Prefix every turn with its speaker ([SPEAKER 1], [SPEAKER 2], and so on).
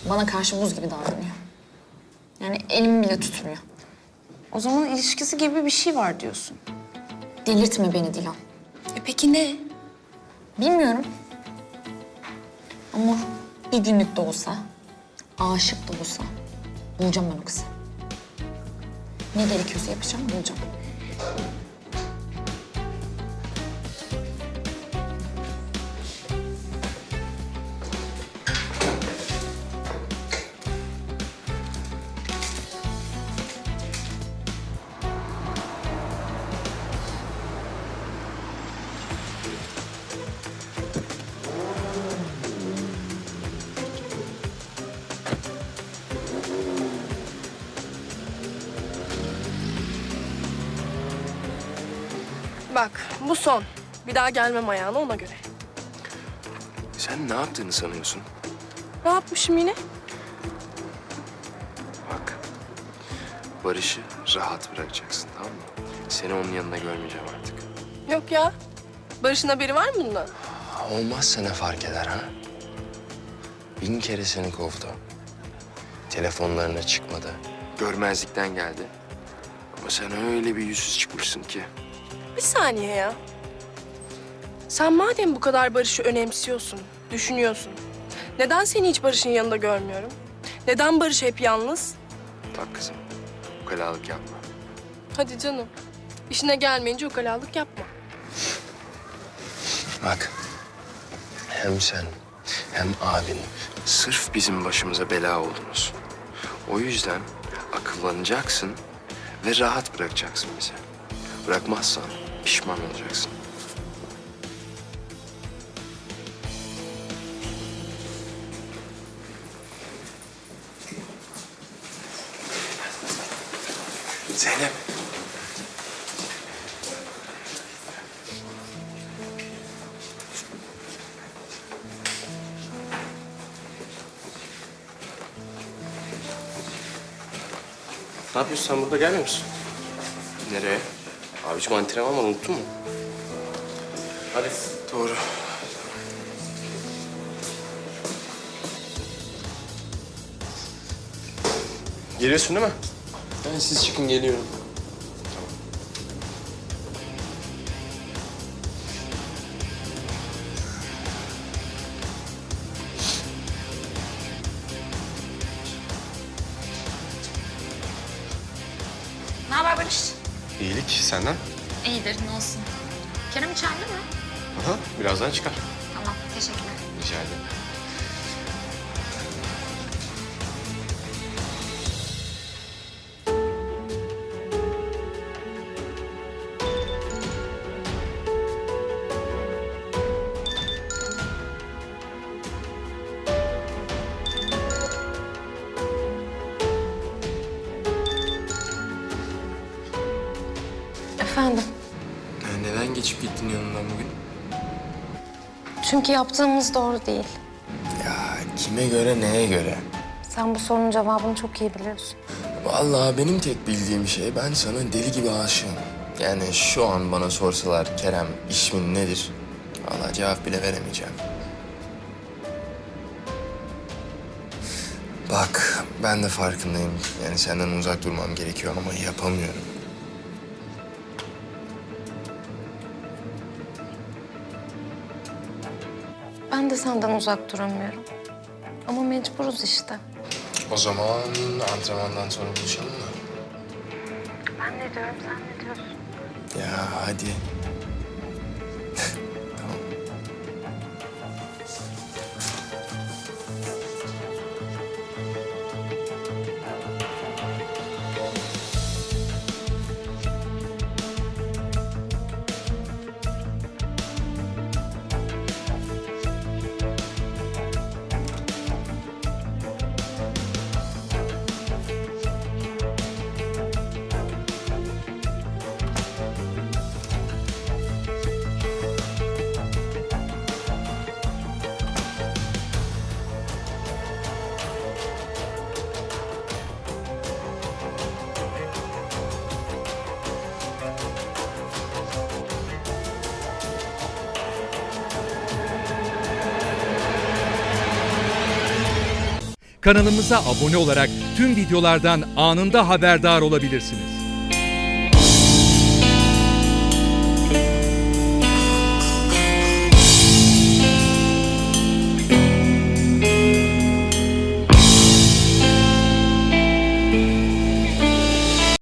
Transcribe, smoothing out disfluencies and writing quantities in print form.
[SPEAKER 1] Bana karşı buz gibi davranıyor. Yani elimi bile tutmuyor.
[SPEAKER 2] O zaman ilişkisi gibi bir şey var diyorsun.
[SPEAKER 1] Delirtme beni Dilan.
[SPEAKER 2] Peki ne?
[SPEAKER 1] Bilmiyorum. Ama bir günlük de olsa, aşık da olsa bulacağım ben o kızı. Ne gerekiyorsa yapacağım, bulacağım.
[SPEAKER 3] Bak, bu son. Bir daha gelmem ayağına ona göre.
[SPEAKER 4] Sen ne yaptığını sanıyorsun?
[SPEAKER 3] Ne yapmışım yine?
[SPEAKER 4] Bak, Barış'ı rahat bırakacaksın, tamam mı? Seni onun yanında görmeyeceğim artık.
[SPEAKER 3] Yok ya. Barış'ın haberi var mı bundan?
[SPEAKER 4] Olmazsa ne fark eder ha? 1000 kere seni kovdu. Telefonlarına çıkmadı. Görmezlikten geldi. Ama sen öyle bir yüzsüz çıkmışsın ki.
[SPEAKER 3] Bir saniye ya. Sen madem bu kadar Barış'ı önemsiyorsun, düşünüyorsun. Neden seni hiç Barış'ın yanında görmüyorum? Neden Barış hep yalnız?
[SPEAKER 4] Bak kızım, ukalalık yapma.
[SPEAKER 3] Hadi canım. İşine gelmeyince ukalalık yapma.
[SPEAKER 4] Bak, hem sen hem abin sırf bizim başımıza bela oldunuz. O yüzden akıllanacaksın ve rahat bırakacaksın bizi. Bırakmazsan pişman olacaksın. Zeynep.
[SPEAKER 5] Ne yapıyorsun sen burada gelmiyor musun?
[SPEAKER 4] Nereye?
[SPEAKER 5] Abiciğim antrenman var unuttun mu? Hadi.
[SPEAKER 4] Doğru.
[SPEAKER 5] Geliyorsun değil mi?
[SPEAKER 4] Ben siz çıkın geliyorum.
[SPEAKER 1] Ne haber Barış?
[SPEAKER 5] İyilik senden.
[SPEAKER 1] İyidir, ne olsun. Kerem içeride mi?
[SPEAKER 5] Aha, birazdan çıkar.
[SPEAKER 1] Tamam, teşekkürler.
[SPEAKER 5] Rica ederim.
[SPEAKER 2] Efendim?
[SPEAKER 4] Neden geçip gittin yanından bugün?
[SPEAKER 2] Çünkü yaptığımız doğru değil.
[SPEAKER 4] Ya kime göre, neye göre?
[SPEAKER 2] Sen bu sorunun cevabını çok iyi biliyorsun.
[SPEAKER 4] Vallahi benim tek bildiğim şey, ben sana deli gibi aşığım. Yani şu an bana sorsalar Kerem ismin nedir? Vallahi cevap bile veremeyeceğim. Bak ben de farkındayım. Yani senden uzak durmam gerekiyor ama yapamıyorum.
[SPEAKER 2] Ben de senden uzak duramıyorum. Ama mecburuz işte.
[SPEAKER 4] O zaman antrenmandan sonra buluşalım mı?
[SPEAKER 2] Ben ne diyorum, sen ne diyorsun?
[SPEAKER 4] Ya hadi. Tamam.
[SPEAKER 6] Kanalımıza abone olarak tüm videolardan anında haberdar olabilirsiniz.